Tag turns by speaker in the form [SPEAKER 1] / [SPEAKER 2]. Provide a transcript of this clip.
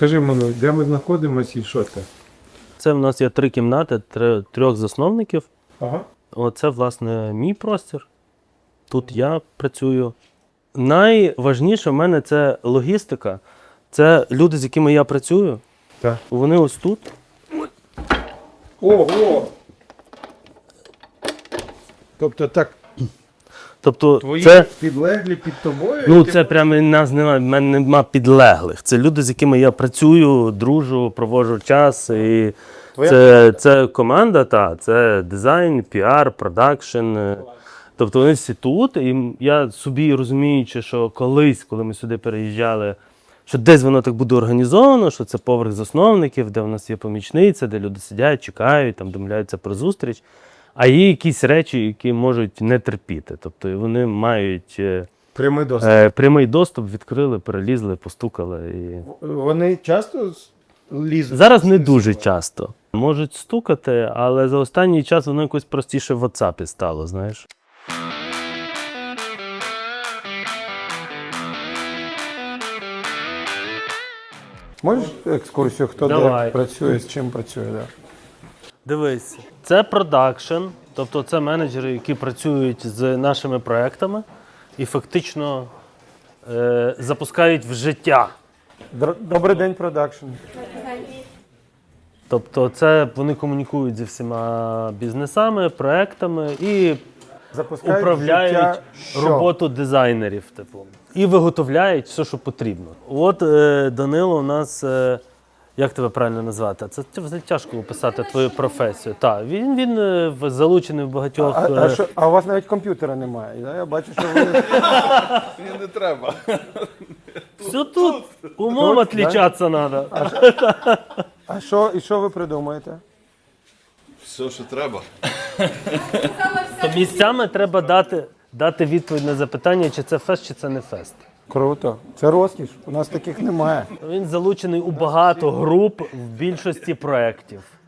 [SPEAKER 1] Розкажи мені, де ми знаходимося і що це?
[SPEAKER 2] Це в нас є 3 кімнати, 3 засновників.
[SPEAKER 1] Ага.
[SPEAKER 2] Оце, власне, мій простір. Тут я працюю. Найважніше в мене це логістика. Це люди, з якими я працюю.
[SPEAKER 1] Так.
[SPEAKER 2] Вони ось тут.
[SPEAKER 1] Ого! Тобто так,
[SPEAKER 2] Тобто
[SPEAKER 1] твої
[SPEAKER 2] це,
[SPEAKER 1] підлеглі під тобою?
[SPEAKER 2] ну,
[SPEAKER 1] і ти-
[SPEAKER 2] це прямо нас немає, в мене нема підлеглих. Це люди, з якими я працюю, дружу, проводжу час. І це команда, це дизайн, піар, продакшн. Тобто вони всі тут. І я собі розуміючи, що колись, коли ми сюди переїжджали, що десь воно так буде організовано, що це поверх засновників, де в нас є помічниця, де люди сидять, чекають, там домовляються про зустріч. А є якісь речі, які можуть не терпіти. Тобто вони мають
[SPEAKER 1] Прямий доступ.
[SPEAKER 2] прямий доступ, відкрили, перелізли, постукали. І...
[SPEAKER 1] Вони часто лізуть?
[SPEAKER 2] Зараз не дуже часто. Можуть стукати, але за останній час воно якось простіше в WhatsApp стало, знаєш.
[SPEAKER 1] Можеш екскурсію, хто
[SPEAKER 2] Давай.
[SPEAKER 1] де працює, з чим працює? Да?
[SPEAKER 2] Дивись, це продакшн, тобто це менеджери, які працюють з нашими проектами і фактично запускають в життя.
[SPEAKER 1] Добрий день, продакшн.
[SPEAKER 2] Тобто це вони комунікують зі всіма бізнесами, проектами і
[SPEAKER 1] Запускають
[SPEAKER 2] управляють
[SPEAKER 1] життя що?
[SPEAKER 2] роботу дизайнерів, типу. І виготовляють все, що потрібно. От Данило у нас, як тебе правильно назвати? Це взагалі тяжко описати твою професію. Так, він залучений в багатьох.
[SPEAKER 1] А у вас навіть комп'ютера немає. Да? Я бачу, що ви...
[SPEAKER 3] Мені не треба.
[SPEAKER 2] Все тут. Умом
[SPEAKER 1] Тут,
[SPEAKER 2] відлічатися треба.
[SPEAKER 1] І що ви придумаєте?
[SPEAKER 3] Все, що треба.
[SPEAKER 2] То місцями треба дати відповідь на запитання, чи це фест, чи це не фест.
[SPEAKER 1] Круто. Це розкіш. У нас таких немає.
[SPEAKER 2] Він залучений у багато груп в більшості проєктів.